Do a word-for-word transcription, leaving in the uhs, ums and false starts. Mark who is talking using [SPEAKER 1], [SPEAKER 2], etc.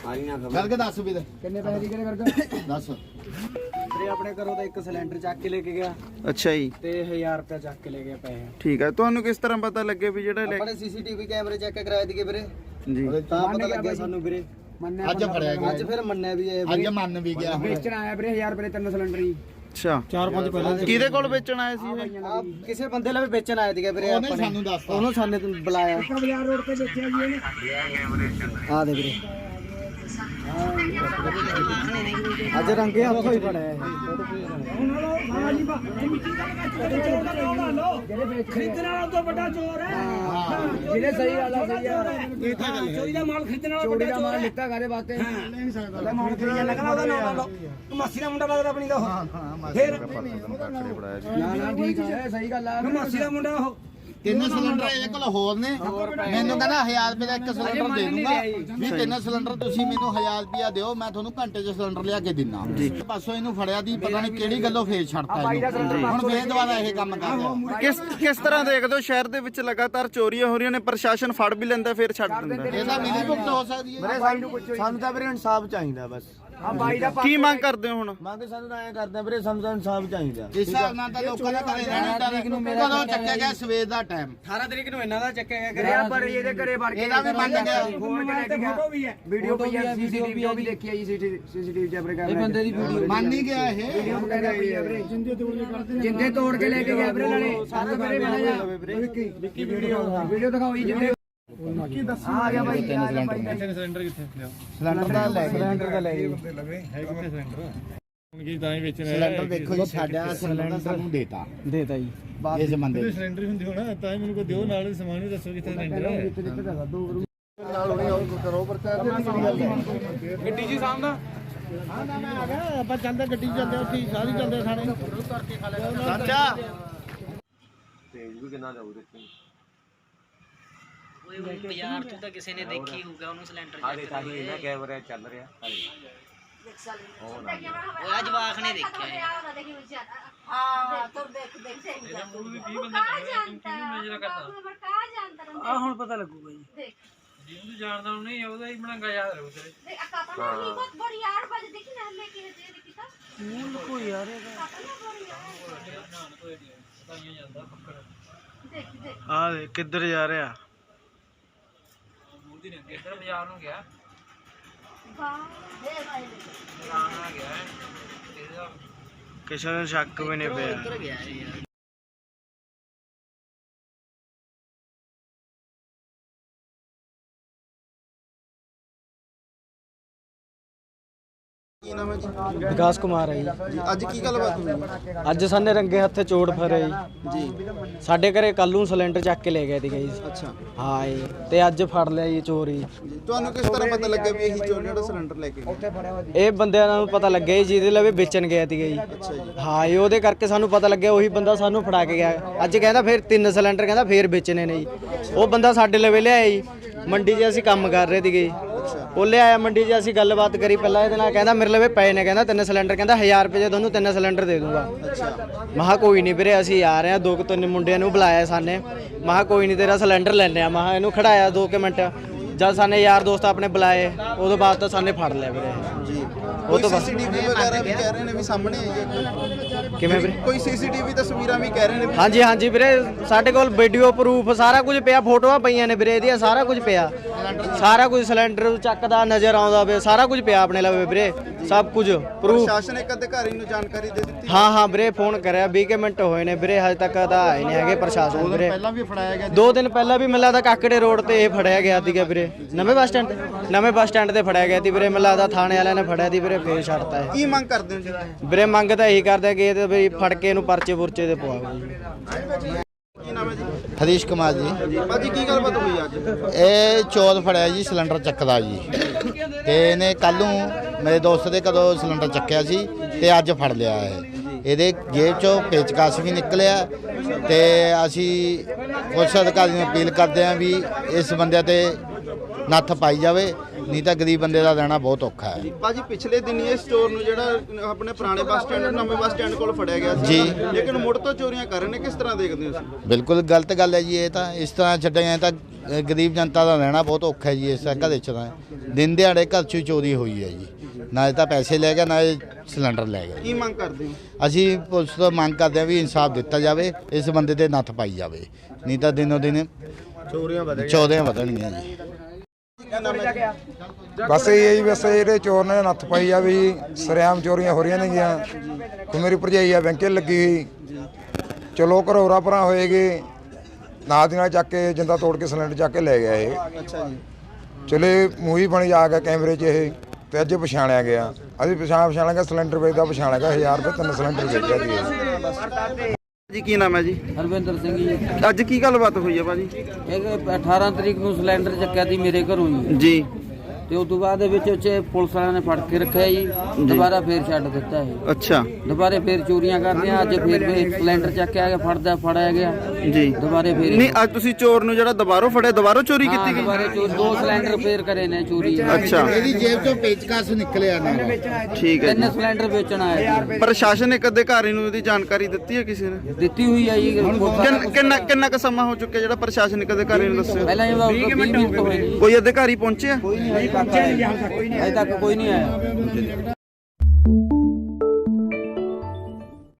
[SPEAKER 1] ਗੱਲ ਕੇ ਦੱਸ ਵੀ
[SPEAKER 2] ਕਿੰਨੇ ਪੈਸੇ ਦੀ ਕਰੇ ਕਰਕੇ
[SPEAKER 1] ਦੱਸ
[SPEAKER 2] ਵੀਰੇ ਆਪਣੇ ਘਰੋਂ ਤਾਂ ਇੱਕ ਸਿਲੰਡਰ ਚੱਕ ਕੇ ਲੈ ਕੇ ਗਿਆ
[SPEAKER 3] ਅੱਛਾ ਜੀ
[SPEAKER 2] ਤੇ ਹਜ਼ਾਰ ਰੁਪਏ ਚੱਕ ਕੇ ਲੈ ਗਿਆ ਪੈਸੇ।
[SPEAKER 3] ਠੀਕ ਹੈ, ਤੁਹਾਨੂੰ ਕਿਸ ਤਰ੍ਹਾਂ ਪਤਾ ਲੱਗੇ ਵੀ ਜਿਹੜਾ
[SPEAKER 2] ਆਪਣੇ ਸੀਸੀਟੀਵੀ ਕੈਮਰੇ ਚੈੱਕ ਕਰਾਏ ਦੀਗੇ ਵੀਰੇ
[SPEAKER 3] ਜੀ
[SPEAKER 2] ਤਾਂ ਪਤਾ ਲੱਗਿਆ ਸਾਨੂੰ ਵੀਰੇ।
[SPEAKER 1] ਅੱਜ ਫੜਿਆ ਗਿਆ
[SPEAKER 2] ਅੱਜ ਫਿਰ ਮੰਨਿਆ ਵੀ ਇਹ
[SPEAKER 1] ਅੱਜ ਮੰਨ ਵੀ ਗਿਆ
[SPEAKER 2] ਵੇਚਣ ਆਇਆ ਵੀਰੇ ਹਜ਼ਾਰ ਰੁਪਏ ਤਿੰਨ ਸਿਲੰਡਰ ਹੀ।
[SPEAKER 3] ਅੱਛਾ
[SPEAKER 2] ਚਾਰ ਪੰਜ ਪਹਿਲਾਂ
[SPEAKER 3] ਕਿਹਦੇ ਕੋਲ ਵੇਚਣ ਆਏ ਸੀ ਇਹ?
[SPEAKER 2] ਆ ਕਿਸੇ ਬੰਦੇ ਲਈ ਵੇਚਣ ਆਏ ਸੀਗੇ ਵੀਰੇ
[SPEAKER 1] ਉਹਨੇ
[SPEAKER 2] ਆਪਣੇ।
[SPEAKER 1] ਸਾਨੂੰ ਦੱਸਤਾ
[SPEAKER 2] ਉਹਨੂੰ ਸਾਨੇ ਤੋਂ ਬੁਲਾਇਆ ਬਾਜ਼ਾਰ ਰੋਡ ਤੇ ਵੇਚਿਆ ਜੀ ਇਹਨੇ। ਆ ਦੇ ਵੀਰੇ ਅੱਜ ਰੰਗੇ ਹੱਥੋਂ ਹੀ ਫੜਿਆ ਖਰੀਦਣ ਵਾਲਾ ਤੋਂ ਵੱਡਾ ਚੋਰ ਹੈ। ਜਿਹਨੇ ਸਹੀ ਗੱਲ ਆ ਸਹੀ ਆ ਚੋਰੀ ਦਾ ਮਾਲ ਖਰੀਦਣ ਵਾਲਾ ਚੋਰੀ ਦਾ ਮਾਲ ਲਿੱਤਾ ਕਾਦੇ ਵਾਸਤੇ ਲੈ ਨਹੀਂ ਸਕਦਾ ਮਾਲ ਖਰੀਦਣ ਲੱਗਣਾ ਉਹਦਾ ਨਾਮ ਲਾ ਲਓ। ਮਾਸੀ ਦਾ ਮੁੰਡਾ ਲੱਗਦਾ ਆਪਣੀ ਦਾ ਉਹ ਫਿਰ ਨਾ ਨਾ ਠੀਕ ਹੈ ਸਹੀ ਗੱਲ ਆ ਮਾਸੀ ਦਾ ਮੁੰਡਾ ਉਹ
[SPEAKER 1] ਤਿੰਨ ਸਿਲੰਡਰ ਇਹਦੇ ਕੋਲ ਹੋਰ ਨੇ ਮੈਨੂੰ ਕਹਿੰਦਾ ਹਜ਼ਾਰ ਰੁਪਏ ਦਾ ਇੱਕ ਸਿਲੰਡਰ ਦੇ ਦੂੰਗਾ ਵੀ ਤਿੰਨ ਸਿਲੰਡਰ ਤੁਸੀਂ ਮੈਨੂੰ ਹਜ਼ਾਰ ਰੁਪਿਆ ਦਿਓ ਮੈਂ ਤੁਹਾਨੂੰ ਘੰਟੇ 'ਚ ਸਿਲੰਡਰ ਲਿਆ ਕੇ ਦਿੰਦਾ। ਪਾਸੋਂ ਇਹਨੂੰ ਫੜਿਆ ਦੀ ਪਤਾ ਨਹੀਂ ਕਿਹੜੀ ਗੱਲੋਂ ਫੇਰ ਛੱਡਤਾ ਇਹਨੂੰ ਹੁਣ ਫੇਰ ਦੁਬਾਰਾ ਇਹ ਕੰਮ ਕਰ ਰਿਹਾ।
[SPEAKER 3] ਕਿਸ ਕਿਸ ਤਰ੍ਹਾਂ ਦੇਖਦੇ ਹੋ ਸ਼ਹਿਰ ਦੇ ਵਿੱਚ ਲਗਾਤਾਰ ਚੋਰੀਆਂ ਹੋ ਰਹੀਆਂ ਨੇ, ਪ੍ਰਸ਼ਾਸਨ ਫੜ ਵੀ ਲੈਂਦਾ ਫਿਰ ਛੱਡ ਦਿੰਦਾ।
[SPEAKER 1] ਇਹਦਾ ਮਿਲੀ ਭੁਗਤ ਹੋ ਸਕਦੀ ਹੈ।
[SPEAKER 2] ਸਾਨੂੰ ਤਾਂ ਵੀਰੇ ਇਨਸਾਫ ਚਾਹੀਦਾ ਬਸ। ਆ ਬਾਈ ਦਾ
[SPEAKER 3] ਕੀ ਮੰਗ ਕਰਦੇ ਹੋ ਹੁਣ?
[SPEAKER 2] ਮੰਗ ਸਾਨੂੰ ਤਾਂ ਐਂ ਕਰਦੇ ਵੀਰੇ ਸਾਨੂੰ ਤਾਂ ਇਨਸਾਫ ਚਾਹੀਦਾ।
[SPEAKER 1] ਇਸ ਹਿਸਾਬ ਨਾਲ ਤਾਂ ਲੋਕਾਂ ਦਾ ਘਰੇ ਰਹਿਣਾ ਡਰ ਕਦੋਂ ਚੱਕਿਆ ਗਿਆ ਸਵੇਰ ਦਾ ਟਾਈਮ
[SPEAKER 2] ਅਠਾਰਾਂ ਤਰੀਕ ਨੂੰ ਇਹਨਾਂ ਦਾ ਚੱਕਿਆ ਗਿਆ ਕਰਿਆ ਪਰ ਇਹਦੇ ਘਰੇ ਵੜ ਕੇ
[SPEAKER 1] ਇਹਦਾ ਵੀ ਮੰਨ ਗਿਆ
[SPEAKER 2] ਫੋਨ ਤੇ ਲੈ ਕੇ ਗਿਆ। ਫੋਟੋ ਵੀ ਹੈ ਵੀਡੀਓ ਵੀ ਹੈ ਸੀਸੀਟੀਵੀ ਵੀ ਦੇਖੀ ਹੈ ਜੀ ਸੀਸੀਟੀਵੀ ਕੈਮਰੇ ਕਰ ਇਹ ਬੰਦੇ ਦੀ ਵੀਡੀਓ
[SPEAKER 1] ਮੰਨ ਨਹੀਂ ਗਿਆ ਇਹ
[SPEAKER 2] ਵੀਡੀਓ ਵਗੈਰਾ ਪਈ ਹੈ ਵੀਰੇ। ਜਿੰਦੇ ਤੋੜ ਕੇ ਲੈ ਕੇ ਗਿਆ ਵੀਰੇ ਨਾਲੇ ਸਾਨੂੰ ਵੀਰੇ ਮਿਲਿਆ ਵਿੱਕੀ ਵੀਡੀਓ ਵੀਡੀਓ ਦਿਖਾਓ ਜੀ ਜਿੰਦੇ ਕੀ ਦੱਸੋ ਆ ਗਿਆ ਬਾਈ ਤਿੰਨ ਸਿਲੰਡਰ ਤਿੰਨ ਸਿਲੰਡਰ ਕਿੱਥੇ
[SPEAKER 1] ਸਿਲੰਡਰ ਦਾ ਲੈ ਗਏ
[SPEAKER 2] ਸਿਲੰਡਰ ਦਾ ਲੈ ਗਏ
[SPEAKER 4] ਹੈ ਕਿੱਥੇ ਸਿਲੰਡਰ ਹੁਣ ਕੀ ਤਾਂ ਹੀ ਵੇਚਣਾ
[SPEAKER 1] ਸਿਲੰਡਰ ਦੇਖੋ ਜੀ ਸਾਡਾ ਸਿਲੰਡਰ ਸਾਨੂੰ ਦੇਤਾ
[SPEAKER 2] ਦੇਤਾ ਜੀ
[SPEAKER 1] ਇਸ ਬੰਦੇ
[SPEAKER 4] ਤੇ ਸਿਲੰਡਰ ਹੁੰਦੀ ਹੋਣਾ ਤਾਂ ਹੀ ਮੈਨੂੰ ਕੋਈ ਦਿਓ ਨਾਲ ਸਮਾਨ ਵੀ ਦੱਸੋ ਕਿੱਥੇ ਸਿਲੰਡਰ ਹੈ
[SPEAKER 1] ਨਾਲ ਹੁਣੇ ਉਹ ਕਰੋ ਪ੍ਰਚਾਰ ਦੀ ਕਿਹੜੀ ਗੱਲ ਹੈ
[SPEAKER 2] ਗੱਡੀ ਜੀ ਸਾਹਮਣਾ
[SPEAKER 1] ਹਾਂ ਨਾ ਮੈਂ ਆ ਗਿਆ ਆਪਾਂ ਚੱਲਦੇ ਗੱਡੀ ਚੱਲਦੇ ਉੱਥੇ ਸਾਰੀ ਚੱਲਦੇ ਖਾਣੇ ਕਰਕੇ ਖਾ ਲਿਆ ਚਾਚਾ
[SPEAKER 5] ਤੇਜ ਵੀ ਕਿੰਨਾ ਜਾਊ ਦੇਖੀ
[SPEAKER 6] ਉਹ ਬਾਜ਼ਾਰ ਤੋਂ ਤਾਂ ਕਿਸੇ ਨੇ ਦੇਖੀ ਹੋਊਗਾ ਉਹਨੂੰ ਸਿਲੰਡਰ
[SPEAKER 5] ਹਾਲੇ ਤਾਂ ਹੀ ਇਹਨਾਂ ਕੈਮਰਾ ਚੱਲ ਰਿਹਾ ਹਾਲੇ
[SPEAKER 6] ਉਹ ਆ ਜਵਾਕ ਨੇ ਦੇਖਿਆ ਹੈ।
[SPEAKER 7] हाँ तो देख देख से
[SPEAKER 2] ਆ ਹੁਣ ਪਤਾ ਲੱਗੂਗਾ ਜੀ
[SPEAKER 7] देख
[SPEAKER 4] ਜਿਹਨੂੰ ਜਾਣਦਾ ਨਹੀਂ ਉਹਦਾ ਹੀ ਬਣਾਗਾ ਯਾਦ ਰਹੂ ਤੇਰੇ
[SPEAKER 7] देख आता ना ही बहुत बड़ी यार बज देखी ना लेके दे देखी था
[SPEAKER 2] ਮੂਲ ਕੋ ਯਾਰ ਇਹਦਾ
[SPEAKER 7] आता ना बड़ी यार
[SPEAKER 4] ਪਤਾਈਆਂ ਜਾਂਦਾ ਪੱਕੜ
[SPEAKER 7] देख देख
[SPEAKER 3] ਆ ਦੇ ਕਿੱਧਰ ਜਾ ਰਿਹਾ?
[SPEAKER 4] ਮੂਰਤੀ ਨੇ ਇੱਧਰ ਬਾਜ਼ਾਰ ਨੂੰ ਗਿਆ
[SPEAKER 7] वाह दे भाई
[SPEAKER 4] ਆ ਗਿਆ ਇਹਦਾ
[SPEAKER 3] ਕਿਸੇ ਨੂੰ ਸ਼ੱਕ ਵੀ ਨਹੀਂ ਪਿਆ।
[SPEAKER 6] ਉੱਧਰ ਗਿਆ ਇਹ ਯਾਰ
[SPEAKER 1] ਕੀ ਨਾਮ ਹੈ ਜੀ
[SPEAKER 2] ਵਿਕਾਸ ਕੁਮਾਰ ਹੈ ਜੀ।
[SPEAKER 1] ਅੱਜ ਕੀ ਗੱਲਬਾਤ ਹੋਈ
[SPEAKER 2] ਅੱਜ ਸਾਨੇ ਰੰਗੇ ਹੱਥੇ ਚੋੜ ਫਰੇ ਜੀ ਸਾਡੇ ਘਰੇ ਕੱਲ ਨੂੰ ਸਿਲੰਡਰ ਚੱਕ ਕੇ ਲੈ ਗਏ ਸੀਗੇ ਜੀ।
[SPEAKER 1] ਅੱਛਾ
[SPEAKER 2] ਹਾਂ ਜੀ ਤੇ ਅੱਜ ਫੜ ਲਿਆ ਜੀ ਚੋਰੀ।
[SPEAKER 1] ਤੁਹਾਨੂੰ ਕਿਸ ਤਰ੍ਹਾਂ ਪਤਾ ਲੱਗਿਆ ਵੀ ਇਹੀ ਚੋਰ ਜਿਹੜਾ ਸਿਲੰਡਰ ਲੈ ਕੇ ਗਿਆ?
[SPEAKER 2] ਇਹ ਬੰਦਿਆਂ ਨੂੰ ਪਤਾ ਲੱਗਿਆ ਜੀ ਜਿਹਦੇ ਲਈ ਵੇਚਣ ਗਿਆ ਸੀਗਾ ਜੀ। ਹਾਂ ਜੀ ਉਹਦੇ ਕਰਕੇ ਸਾਨੂੰ ਪਤਾ ਲੱਗਿਆ ਉਹੀ ਬੰਦਾ ਸਾਨੂੰ ਫੜਾ ਕੇ ਗਿਆ। ਅੱਜ ਕਹਿੰਦਾ ਫਿਰ ਤਿੰਨ ਸਿਲੰਡਰ ਕਹਿੰਦਾ ਫੇਰ ਵੇਚਣੇ ਨੇ ਜੀ। ਉਹ ਬੰਦਾ ਸਾਡੇ ਲਵੇ ਲਿਆਇਆ ਜੀ ਮੰਡੀ 'ਚ ਅਸੀਂ ਕੰਮ ਕਰ ਰਹੇ ਸੀਗੇ। ਉਹ ਲਿਆਇਆ ਮੰਡੀ 'ਚ ਅਸੀਂ ਗੱਲਬਾਤ ਕਰੀ ਪਹਿਲਾਂ ਇਹਦੇ ਨਾਲ ਕਹਿੰਦਾ ਮੇਰੇ ਲਵੇ ਪਏ ਨੇ ਕਹਿੰਦਾ ਤਿੰਨ ਸਿਲੰਡਰ ਕਹਿੰਦਾ ਹਜ਼ਾਰ ਰੁਪਏ 'ਚ ਤੁਹਾਨੂੰ ਤਿੰਨ ਸਿਲੰਡਰ ਦੇ ਦੂੰਗਾ। ਮਹਾ ਕੋਈ ਨਹੀਂ ਵੀਰੇ ਅਸੀਂ ਆ ਰਹੇ ਹਾਂ ਦੋ ਕੁ ਤਿੰਨ ਮੁੰਡਿਆਂ ਨੂੰ ਬੁਲਾਇਆ ਸਾਨੇ ਮਹਾ ਕੋਈ ਨਹੀਂ ਤੇਰਾ ਸਿਲੰਡਰ ਲੈਣੇ ਆ ਮਹਾ ਇਹਨੂੰ ਖੜਾਇਆ ਦੋ ਕੁ ਮਿੰਟ ਜਦ ਸਾਨੇ ਯਾਰ ਦੋਸਤ ਆਪਣੇ ਬੁਲਾਏ ਉਦੋਂ ਬਾਅਦ ਤਾਂ ਸਾਨੇ ਫੜ ਲਿਆ ਵੀਰੇ ਜੀ। ਉਹ ਤੋਂ ਬਾਅਦ
[SPEAKER 1] ਸੀਸੀਟੀਵੀ ਵਗੈਰਾ ਵੀ ਕਹਿ ਰਹੇ ਨੇ ਵੀ ਸਾਹਮਣੇ ਆਈ ਹੈ
[SPEAKER 2] ਕਿਵੇਂ ਵੀਰੇ?
[SPEAKER 1] ਕੋਈ ਸੀਸੀਟੀਵੀ ਤਸਵੀਰਾਂ ਵੀ ਕਹਿ ਰਹੇ ਨੇ ਵੀ
[SPEAKER 2] ਹਾਂਜੀ ਹਾਂਜੀ ਵੀਰੇ ਸਾਡੇ ਕੋਲ ਵੀਡੀਓ ਪ੍ਰੂਫ ਸਾਰਾ ਕੁਝ ਪਿਆ ਫੋਟੋਆਂ ਪਈਆਂ ਨੇ ਵੀਰੇ ਇਹਦੀਆਂ ਸਾਰਾ ਕੁਝ ਪਿਆ ਸਾਰਾ ਕੁਝ ਸਿਲੰਡਰ ਚੱਕਦਾ ਨਜ਼ਰ ਆਉਂਦਾ ਵੇ ਸਾਰਾ ਕੁਝ ਪਿਆ ਆਪਣੇ ਲਵੇ ਵੀਰੇ ਸਭ ਕੁਝ ਪ੍ਰੂਫ।
[SPEAKER 1] ਪ੍ਰਸ਼ਾਸਨ ਇੱਕ ਅਧਿਕਾਰੀ ਨੂੰ ਜਾਣਕਾਰੀ ਦੇ ਦਿੱਤੀ
[SPEAKER 2] ਹਾਂ ਹਾਂ ਵੀਰੇ ਫੋਨ ਕਰਿਆ ਵੀਹ ਕੁ ਮਿੰਟ ਹੋਏ ਨੇ ਵੀਰੇ ਹਜੇ ਤੱਕ ਤਾਂ ਆਏ ਨਹੀਂ ਹੈਗੇ ਪ੍ਰਸ਼ਾਸਨ ਵੀਰੇ।
[SPEAKER 1] ਪਹਿਲਾਂ ਵੀ ਫੜਾਇਆ ਗਿਆ
[SPEAKER 2] ਦੋ ਦਿਨ ਪਹਿਲਾਂ ਵੀ ਮੈਨੂੰ ਲੱਗਦਾ ਕਾਕੜੇ ਰੋਡ ਤੇ ਇਹ ਫੜਿਆ ਗਿਆ ਸੀਗਾ ਵੀਰੇ ਨਵੇਂ ਬੱਸ ਸਟੈਂਡ ਤੇ ਨਵੇਂ ਬੱਸ ਸਟੈਂਡ ਤੇ ਫੜਿਆ ਗਿਆ ਸੀ ਵੀਰੇ ਮੈਨੂੰ ਲੱਗਦਾ ਥਾਣੇ ਵਾਲਿਆਂ ਨੇ ਫੜਿਆ ਸੀ ਵੀਰੇ ਫੇਰ ਛੱਡਤਾ ਹੈ
[SPEAKER 1] ਕੀ ਮੰਗ ਕਰਦੇ ਹੋ ਜੀ?
[SPEAKER 2] ਵੀਰੇ ਮੰਗ ਤਾਂ ਇਹੀ ਕਰਦੇ ਕਿ ਇਹ ਤੇ ਵੀ ਫੜ ਕੇ ਇਹਨੂੰ ਪਰਚੇ ਪੁਰਚੇ ਤੇ ਪਵਾਓ ਜੀ।
[SPEAKER 1] ਕੀ ਨਾਮ ਹੈ ਜੀ?
[SPEAKER 8] ਹਰੀਸ਼ ਕੁਮਾਰ ਜੀ।
[SPEAKER 1] ਭਾਜੀ ਕੀ ਗੱਲਬਾਤ ਹੋਈ ਅੱਜ?
[SPEAKER 8] ਇਹ ਚੋਰ ਫੜਿਆ ਜੀ ਸਿਲੰਡਰ ਚੱਕਦਾ ਜੀ ਤੇ ਇਹਨੇ ਕੱਲ ਨੂੰ ਮੇਰੇ ਦੋਸਤ ਦੇ ਕਦੋਂ ਸਿਲੰਡਰ ਚੱਕਿਆ ਸੀ ਤੇ ਅੱਜ ਫੜ ਲਿਆ ਇਹ ਇਹਦੇ ਜੇਬ ਚੋਂ ਪੇਚਕਸ ਵੀ ਨਿਕਲਿਆ ਤੇ ਅਸੀਂ ਪੁਲਿਸ ਅਧਿਕਾਰੀ ਨੂੰ ਅਪੀਲ ਕਰਦੇ ਹਾਂ ਵੀ ਇਸ ਬੰਦੇ ਤੇ ਨੱਥ ਪਾਈ ਜਾਵੇ ਨਹੀਂ ਤਾਂ ਗਰੀਬ ਬੰਦੇ ਦਾ ਦੇਣਾ ਬਹੁਤ ਔਖਾ ਹੈ।
[SPEAKER 3] ਭਾਜੀ ਪਿਛਲੇ ਦਿਨੀ ਇਹ ਸਟੋਰ ਨੂੰ ਜਿਹੜਾ ਆਪਣੇ ਪੁਰਾਣੇ ਬੱਸ ਸਟੈਂਡ ਨਵੇਂ ਬੱਸ ਸਟੈਂਡ ਕੋਲ ਫੜਿਆ ਗਿਆ ਸੀ
[SPEAKER 8] ਜੀ।
[SPEAKER 3] ਲੇਕਿਨ ਮੁੜ ਤੋਂ ਚੋਰੀਆਂ ਕਰ ਰਹੇ ਨੇ, ਕਿਸ ਤਰ੍ਹਾਂ ਦੇਖਦੇ ਹੋ ਤੁਸੀਂ?
[SPEAKER 8] ਬਿਲਕੁਲ ਗਲਤ ਗੱਲ ਹੈ ਜੀ। ਇਹ ਤਾਂ ਇਸ ਤਰ੍ਹਾਂ ਛੱਡਿਆ ਤਾਂ ਅ, ਗਰੀਬ ਜਨਤਾ ਦਾ ਰਹਿਣਾ ਬਹੁਤ ਔਖਾ ਹੈ ਜੀ। ਇਸ ਤਰ੍ਹਾਂ ਘਰੇ ਚ ਤਾਂ ਦਿਨ ਦਿਹਾੜੇ ਘਰ 'ਚੋਂ ਚੋਰੀ ਹੋਈ ਹੈ ਜੀ। ਨਾ ਤਾਂ ਪੈਸੇ ਲੈ ਗਿਆ, ਨਾ ਸਿਲੰਡਰ ਲੈ ਗਿਆ।
[SPEAKER 3] ਕੀ ਮੰਗ ਕਰਦੇ ਹੋ?
[SPEAKER 8] ਅਸੀਂ ਪੁਲਿਸ ਤੋਂ ਮੰਗ ਕਰਦੇ ਹਾਂ ਵੀ ਇਨਸਾਫ ਦਿੱਤਾ ਜਾਵੇ, ਇਸ ਬੰਦੇ ਤੇ ਨੱਥ ਪਾਈ ਜਾਵੇ, ਨਹੀਂ ਤਾਂ ਦਿਨੋ ਦਿਨ ਚੋਰੀਆਂ ਚੋਰੀਆਂ ਵਧਣਗੀਆਂ ਜੀ।
[SPEAKER 9] ਬਸ ਇਹ ਹੈ ਜੀ, ਬਸ ਇਹਦੇ ਚੋਰ ਨੇ ਨੱਥ ਪਾਈ ਆ ਵੀ ਸਰਿਆਮ ਚੋਰੀਆਂ ਹੋ ਰਹੀਆਂ ਨੇਗੀਆਂ। ਕੋਈ ਮੇਰੀ ਭਰਜਾਈ ਆ ਬੈਂਕੇ ਲੱਗੀ ਹੋਈ, ਚਲੋ ਘਰੋਰਾ ਭਰਾ ਹੋਏਗੇ, ਨਾਲ ਦੀ ਨਾਲ ਚੱਕ ਕੇ ਜਿੰਦਾ ਤੋੜ ਕੇ ਸਿਲੰਡਰ ਚੱਕ ਕੇ ਲੈ ਗਿਆ ਇਹ।
[SPEAKER 3] ਅੱਛਾ ਜੀ।
[SPEAKER 9] ਚਲੇ ਮੂਵੀ ਬਣੀ ਆ ਗਿਆ ਕੈਮਰੇ 'ਚ ਇਹ, ਤੇ ਅੱਜ ਪਛਾਣਿਆ ਗਿਆ। ਅਸੀਂ ਪਛਾਣ ਪਛਾਣ ਗਿਆ ਸਿਲੰਡਰ ਵੇਚਦਾ ਪਛਾਣਿਆ ਗਿਆ। ਹਜ਼ਾਰ ਰੁਪਏ ਤਿੰਨ ਸਿਲੰਡਰ ਵੇਚਿਆ ਜੀ ਇਹ।
[SPEAKER 3] ਜੀ ਕੀ ਨਾਮ ਹੈ ਜੀ?
[SPEAKER 10] ਹਰਵਿੰਦਰ ਸਿੰਘ ਜੀ।
[SPEAKER 3] ਅੱਜ ਕੀ ਗੱਲਬਾਤ ਹੋਈ ਹੈ ਭਾਜੀ?
[SPEAKER 10] ਇਹ ਅਠਾਰਾਂ ਤਰੀਕ ਨੂੰ ਸਿਲੰਡਰ ਚੱਕਿਆ ਸੀ ਮੇਰੇ ਘਰੋਂ ਜੀ
[SPEAKER 3] ਜੀ।
[SPEAKER 10] ਤੇ ਉਸ ਤੋਂ ਬਾਅਦ ਦੇ ਵਿੱਚ ਉੱਚੇ ਪੁਲਿਸ ਵਾਲਿਆਂ ਨੇ ਫੜ ਕੇ ਰੱਖਿਆ ਜੀ। ਦੁਬਾਰਾ ਫੇਰ ਛੱਡ ਦਿੱਤਾ ਇਹ।
[SPEAKER 3] ਅੱਛਾ।
[SPEAKER 10] ਦੁਬਾਰੇ ਫੇਰ ਚੋਰੀਆਂ ਕਰਦੀਆਂ। ਅੱਜ ਫੇਰ ਵੀ ਸਿਲੰਡਰ ਚੱਕਿਆ ਗਿਆ, ਫੜਦਾ ਫੜਿਆ ਗਿਆ
[SPEAKER 3] ਜੀ।
[SPEAKER 10] ਦੁਬਾਰੇ ਫੇਰ
[SPEAKER 3] ਨਹੀਂ ਅੱਜ ਤੁਸੀਂ ਚੋਰ ਨੂੰ ਜਿਹੜਾ ਦੁਬਾਰੋਂ ਫੜਿਆ, ਦੁਬਾਰੋਂ ਚੋਰੀ
[SPEAKER 10] ਹਾਂ,
[SPEAKER 3] ਕੀਤੀ ਗਈ?
[SPEAKER 10] ਦੁਬਾਰੇ ਚੋਰੀ ਦੋ ਸਿਲੰਡਰ ਫੇਰ ਕਰੇ ਨੇ ਚੋਰੀ।
[SPEAKER 3] ਅੱਛਾ।
[SPEAKER 1] ਇਹਦੀ ਜੇਬ ਚੋਂ ਪੇਚਕਸ ਨਿਕਲਿਆ ਨਾ।
[SPEAKER 3] ਠੀਕ ਹੈ
[SPEAKER 10] ਤਿੰਨ
[SPEAKER 3] ਜੀ।
[SPEAKER 10] ਸਿਲੰਡਰ ਵੇਚਣ ਆਇਆ ਜੀ।
[SPEAKER 3] ਪ੍ਰਸ਼ਾਸਨ ਇੱਕ ਅਧਿਕਾਰੀ ਨੂੰ ਇਹਦੀ ਜਾਣਕਾਰੀ ਦਿੱਤੀ ਹੈ ਕਿਸੇ ਨੇ?
[SPEAKER 10] ਦਿੱਤੀ ਹੋਈ ਆ ਜੀ।
[SPEAKER 3] ਕਿੰਨ- ਕਿੰਨਾ ਕਿੰਨਾ ਕੁ ਸਮਾਂ ਹੋ ਚੁੱਕਿਆ ਜਿਹੜਾ ਪ੍ਰਸ਼ਾਸਨਿਕ ਅਧਿਕਾਰੀ ਨੂੰ ਦੱਸਿਆ?
[SPEAKER 10] ਪਹਿਲਾਂ ਇਹ ਵੀਹ ਮਿੰਟ ਹੋਏ ਜੀ।
[SPEAKER 3] ਕੋਈ ਅਧਿਕਾਰੀ ਪਹੁੰਚਿਆ?
[SPEAKER 10] ਅਜੇ ਤੱਕ ਕੋਈ ਨਹੀਂ ਆਇਆ।